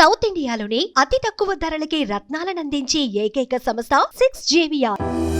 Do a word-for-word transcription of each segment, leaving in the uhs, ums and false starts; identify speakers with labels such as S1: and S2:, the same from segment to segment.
S1: South ఇండియాలోని అతి తక్కువ ధరలకి రత్నాలను అందించే ఏకైక సంస్థ సిక్స్ జేవిఆర్.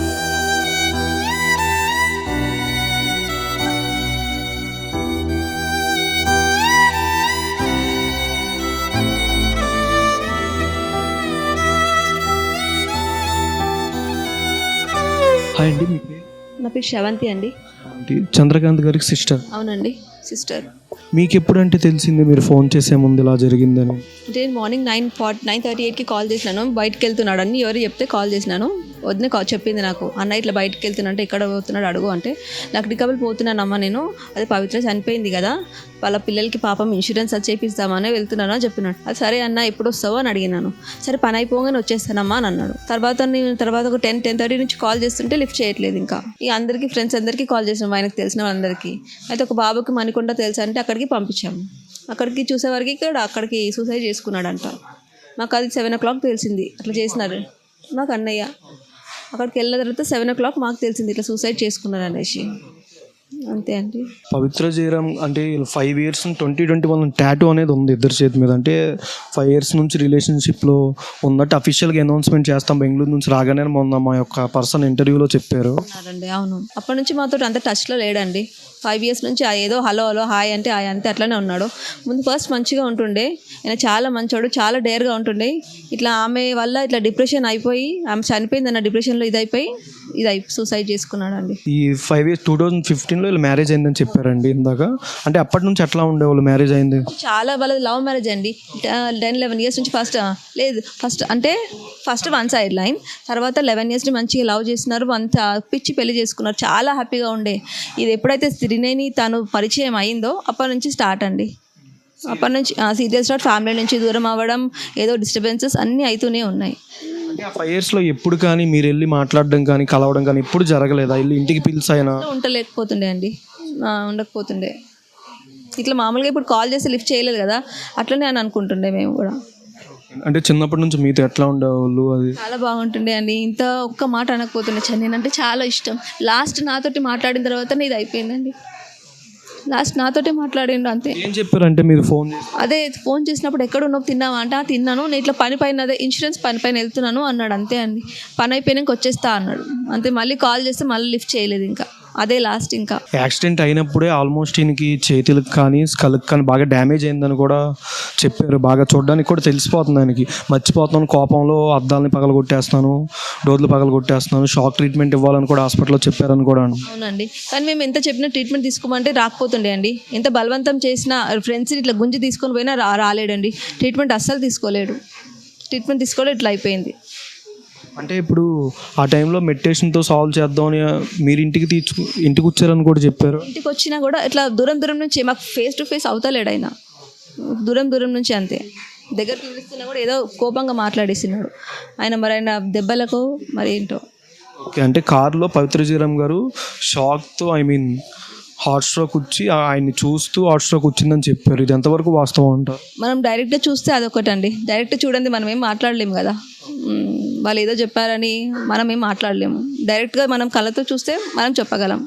S2: హాయ్ అండి, మీ పేరు?
S3: నా పేరు శ్రవంతి అండి.
S2: చంద్రకాంత్ గారికి సిస్టర్.
S3: అవునండి, సిస్టర్.
S2: మీకు ఎప్పుడంటే తెలిసింది మీరు ఫోన్ చేసే ముందు ఇలా జరిగిందని?
S3: అంటే morning nine forty nine thirty ఎయిట్కి కాల్ చేసినాను. బయటకు వెళ్తున్నాడు అని ఎవరు చెప్తే కాల్ చేసినాను. వద్దని కాల్ చెప్పింది నాకు, అన్న ఇట్లా బయటకు వెళ్తున్నా, ఎక్కడ పోతున్నాడు అడుగు అంటే, నాకు రికవల్ పోతున్నానమ్మా నేను, అదే పవిత్ర చనిపోయింది కదా, వాళ్ళ పిల్లలకి పాపం ఇన్సూరెన్స్ అది చేపిస్తామని వెళ్తున్నాను అని చెప్పినాడు. అది సరే అన్న ఎప్పుడు వస్తావో అని అడిగినాను. సరే పని అయిపోగానే వచ్చేస్తానమ్మా అని అన్నాడు. తర్వాత నేను తర్వాత ఒక టెన్ టెన్ థర్టీ నుంచి కాల్ చేస్తుంటే లిఫ్ట్ చేయట్లేదు. ఇంకా ఈ అందరికీ ఫ్రెండ్స్ అందరికీ కాల్ చేసినాం, ఆయనకు తెలిసిన వాళ్ళందరికీ. అయితే ఒక బాబుకి మణికొండ తెలుసు అంటే అక్కడికి పంపించాము. అక్కడికి చూసేవారికి ఇక్కడ అక్కడికి సూసైడ్ చేసుకున్నాడంట. మాకు అది సెవెన్ ఓ క్లాక్ తెలిసింది అట్లా చేసినారు. మాకు అన్నయ్య అక్కడికి వెళ్ళిన తర్వాత సెవెన్ ఓ క్లాక్ మాకు తెలిసింది ఇట్లా సూసైడ్ చేసుకున్నారు అనేసి. అంతే అండి.
S2: పవిత్ర జయరామ్ అంటే five years twenty twenty one tattoo అనేది ఉంది ఇద్దరు చేతి మీద. అంటే ఫైవ్ ఇయర్స్ నుంచి రిలేషన్షిప్లో ఉన్నట్టు అఫీషియల్గా అనౌన్స్మెంట్ చేస్తాం బెంగళూరు నుంచి రాగానే మొన్న మా యొక్క పర్సన్ ఇంటర్వ్యూలో చెప్పారు.
S3: అవునండి, అవును. అప్పటి నుంచి మాతో అంత టచ్లో లేడండి. ఫైవ్ ఇయర్స్ నుంచి ఏదో హలో హలో హాయ్ అంటే హాయ్ అంతే అట్లనే ఉన్నాడు. ముందు ఫస్ట్ మంచిగా ఉంటుండే, ఆయన చాలా మంచోడు, చాలా డేర్గా ఉంటుండే. ఇట్లా ఆమె వల్ల ఇట్లా డిప్రెషన్ అయిపోయి ఆమె చనిపోయింది అన్న డిప్రెషన్లో ఇదైపోయి ఇది అయి సూసైడ్ చేసుకున్నాడు అండి.
S2: ఈ ఫైవ్ ఇయర్స్ టూ థౌజండ్ ఫిఫ్టీన్లో వీళ్ళు మ్యారేజ్ అయిందని చెప్పారండి ఇందాక. అంటే అప్పటి నుంచి ఎట్లా ఉండేవాళ్ళు మ్యారేజ్ అయింది?
S3: చాలా వాళ్ళది లవ్ మ్యారేజ్ అండి. టెన్ లెవెన్ ఇయర్స్ నుంచి ఫస్ట్ లేదు ఫస్ట్ అంటే ఫస్ట్ వన్ సైడ్ లైన్, తర్వాత లెవెన్ ఇయర్స్ నుంచి మంచిగా లవ్ చేస్తున్నారు, అంత పిచ్చి పెళ్లి చేసుకున్నారు, చాలా హ్యాపీగా ఉండే. ఇది ఎప్పుడైతే త్రినేని తను పరిచయం అయిందో అప్పటి నుంచి స్టార్ట్ అండి. అప్పటి నుంచి సీరియస్ స్టార్ట్, ఫ్యామిలీ నుంచి దూరం అవ్వడం, ఏదో డిస్టర్బెన్సెస్ అన్నీ అవుతూనే ఉన్నాయి.
S2: ఫైవ్ ఇయర్స్లో ఎప్పుడు కానీ మీరు వెళ్ళి మాట్లాడడం కానీ కలవడం కానీ ఎప్పుడు జరగలేదా? వెళ్ళి ఇంటికి పిలిచైనా
S3: ఉండలేకపోతుండే అండి, ఉండకపోతుండే. ఇట్లా మామూలుగా ఇప్పుడు కాల్ చేసి లిఫ్ట్ చేయలేదు కదా, అట్లనే అని అనుకుంటుండే మేము కూడా.
S2: అంటే చిన్నప్పటి నుంచి మీతో ఎట్లా ఉండేవాళ్ళు? అది
S3: చాలా బాగుంటుండే అండి. ఇంత ఒక్క మాట అనకపోతుండే. నేనంటే చాలా ఇష్టం. లాస్ట్ నాతోటి మాట్లాడిన తర్వాత ఇది అయిపోయిందండి. లాస్ట్ నాతోటే మాట్లాడిండు అంతే.
S2: ఏం చెప్పారంటే మీరు ఫోన్
S3: అదే ఫోన్ చేసినప్పుడు ఎక్కడ ఉన్నావు తిన్నావా అంటే తిన్నాను, నేను ఇట్లా పని పైన అదే ఇన్సూరెన్స్ పని పైన వెళ్తున్నాను అన్నాడు. అంతే అండి. పని అయిపోయినాక వచ్చేస్తా అన్నాడు అంతే. మళ్ళీ కాల్ చేస్తే మళ్ళీ లిఫ్ట్ చేయలేదు. ఇంకా అదే లాస్ట్. ఇంకా
S2: యాక్సిడెంట్ అయినప్పుడే ఆల్మోస్ట్ ఈయనకి చేతులకు కానీ స్కల్కి కానీ బాగా డ్యామేజ్ అయిందని కూడా చెప్పారు. బాగా చూడడానికి కూడా తెలిసిపోతుంది ఆయనకి. మర్చిపోతున్నాను కోపంలో అద్దాలని పగల కొట్టేస్తాను, డోర్లు పగల కొట్టేస్తున్నాను, షాక్ ట్రీట్మెంట్ ఇవ్వాలని కూడా హాస్పిటల్లో చెప్పారని కూడా.
S3: అవునండి, కానీ మేము ఎంత చెప్పినా ట్రీట్మెంట్ తీసుకోమంటే రాకపోతుండే అండి. ఎంత బలవంతం చేసినా ఫ్రెండ్స్ని ఇట్లా గుంజి తీసుకొని పోయినా రా రాలేడండి ట్రీట్మెంట్ అస్సలు తీసుకోలేడు. ట్రీట్మెంట్ తీసుకోలేదు, ఇట్లా అయిపోయింది.
S2: అంటే ఇప్పుడు ఆ టైంలో మెడిటేషన్తో సాల్వ్ చేద్దామని మీరు ఇంటికి తీర్చు ఇంటికి వచ్చారని కూడా చెప్పారు.
S3: ఇంటికి వచ్చినా కూడా ఇట్లా దూరం దూరం నుంచి మాకు ఫేస్ టు ఫేస్ అవుతలేడు ఆయన, దూరం దూరం నుంచి అంతే. దగ్గర పిలుస్తున్నా కూడా ఏదో కోపంగా మాట్లాడేసినాడు ఆయన. మరి ఆయన దెబ్బలకు మరి ఏంటో.
S2: ఓకే, అంటే కారులో పవిత్ర జయరామ్ గారు షాక్తో ఐ మీన్ హార్ట్ స్ట్రోక్ వచ్చి ఆయన్ని చూస్తూ హార్ట్ స్ట్రోక్ వచ్చిందని చెప్పారు. ఇది ఎంతవరకు వాస్తవం అంటారు?
S3: మనం డైరెక్ట్గా చూస్తే అదొకటండి. డైరెక్ట్ చూడండి మనం ఏం మాట్లాడలేము కదా, వాళ్ళు ఏదో చెప్పారని మనం ఏం మాట్లాడలేము. డైరెక్ట్గా మనం కళ్ళతో చూస్తే మనం చెప్పగలం.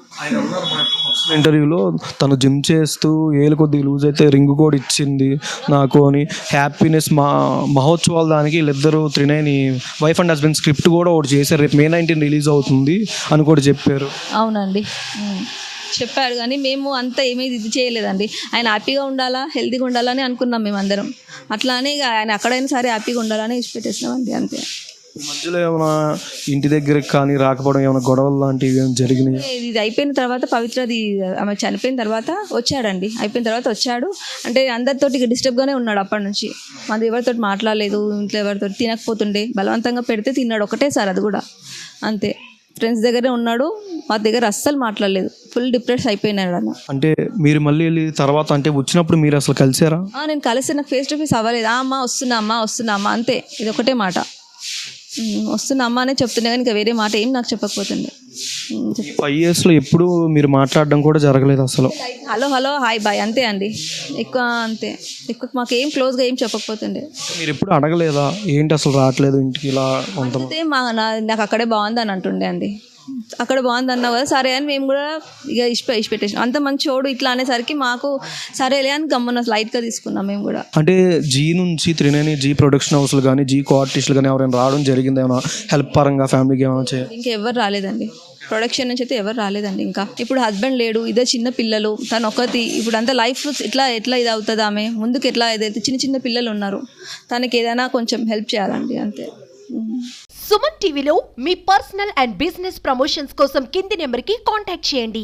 S2: ఇంటర్వ్యూలో తను జిమ్ చేస్తూ ఏలు కొద్దిగా లూజ్ అయితే రింగ్ కూడా ఇచ్చింది నాకు అని, హ్యాపీనెస్ మా మహోత్సవాల దానికి వీళ్ళిద్దరూ త్రినేని వైఫ్ అండ్ హస్బెండ్ స్క్రిప్ట్ కూడా ఒకటి చేశారు, రేపు మే నైన్టీన్ రిలీజ్ అవుతుంది అని కూడా చెప్పారు.
S3: అవునండి, చెప్పారు. కానీ మేము అంతా ఏమీ ఇది చేయలేదండి. ఆయన హ్యాపీగా ఉండాలా, హెల్తీగా ఉండాలని అనుకున్నాం మేము అందరం. అట్లానే ఆయన అక్కడైనా సరే హ్యాపీగా ఉండాలని ఇష్టపెట్టేసినామండి అంతే.
S2: మధ్యలో ఏమైనా ఇంటి దగ్గరికి కానీ రాకపోవడం, ఏమైనా గొడవలు లాంటివి ఏమైనా జరిగినాయి?
S3: ఇది అయిపోయిన తర్వాత పవిత్రది ఆమె చనిపోయిన తర్వాత వచ్చాడండి. అయిపోయిన తర్వాత వచ్చాడు అంటే అందరితోటి డిస్టర్బ్గానే ఉన్నాడు అప్పటి నుంచి. మన ఎవరితో మాట్లాడలేదు, ఇంట్లో ఎవరితో తినకపోతుండే, బలవంతంగా పెడితే తిన్నాడు ఒకటేసారి, అది కూడా అంతే. ఫ్రెండ్స్ దగ్గరే ఉన్నాడు, మా దగ్గర అస్సలు మాట్లాడలేదు. ఫుల్ డిప్రెస్ అయిపోయినాడు అన్న. అంటే
S2: మీరు మళ్ళీ వెళ్ళి తర్వాత అంటే వచ్చినప్పుడు మీరు అసలు కలిసారా?
S3: నేను కలిసి నాకు ఫేస్ టు ఫేస్ అవ్వలేదు. అమ్మ వస్తున్నా అమ్మ వస్తున్నా అమ్మ అంతే, ఇది ఒకటే మాట. వస్తున్నా అమ్మ అనే చెప్తుండే కానీ ఇంకా వేరే మాట ఏం నాకు చెప్పకపోతుండే.
S2: ఫైవ్ ఇయర్స్లో ఎప్పుడు మీరు మాట్లాడడం కూడా జరగలేదు అసలు?
S3: హలో హలో హాయ్ బాయ్ అంతే అండి, ఎక్కువ అంతే. ఎక్కువ మాకు ఏం క్లోజ్గా ఏం చెప్పకపోతుండే.
S2: మీరు ఎప్పుడు అడగలేదా ఏంటి అసలు రావట్లేదు ఇంటికి ఇలా?
S3: అంతే మా నాకు అక్కడే బాగుంది అని అంటుండే అండి. అక్కడ బాగుంది అన్నావు కదా సరే అని మేము కూడా ఇక ఇష్ప ఇష్ట పెట్టేసాం. అంత మంచి చోడు ఇట్లా అనేసరికి మాకు సరేలే అని గమ్మున లైట్గా తీసుకున్నాం మేము కూడా.
S2: అంటే జీ నుంచి త్రినేని జీ ప్రొడక్షన్ హౌస్లు కానీ జీ కో ఆర్టిస్టులు కానీ ఎవరైనా రావడం జరిగింది ఏమైనా హెల్ప్ పరంగా ఫ్యామిలీకి ఏమైనా చేయాలి?
S3: ఇంకా ఎవరు రాలేదండి ప్రొడక్షన్ నుంచి అయితే ఎవరు రాలేదండి. ఇంకా ఇప్పుడు హస్బెండ్ లేడు, ఇదే చిన్న పిల్లలు, తను ఒకటి ఇప్పుడు అంతా లైఫ్ ఇట్లా ఎట్లా ఇది అవుతుంది, ఆమె ముందుకు ఎట్లా ఏదైతే చిన్న చిన్న పిల్లలు ఉన్నారు, తనకి ఏదైనా కొంచెం హెల్ప్ చేయాలండి అంతే.
S1: సుమన్ టీవీలో మీ పర్సనల్ అండ్ బిజినెస్ ప్రమోషన్స్ కోసం కింది నెంబర్కి కాంటాక్ట్ చేయండి.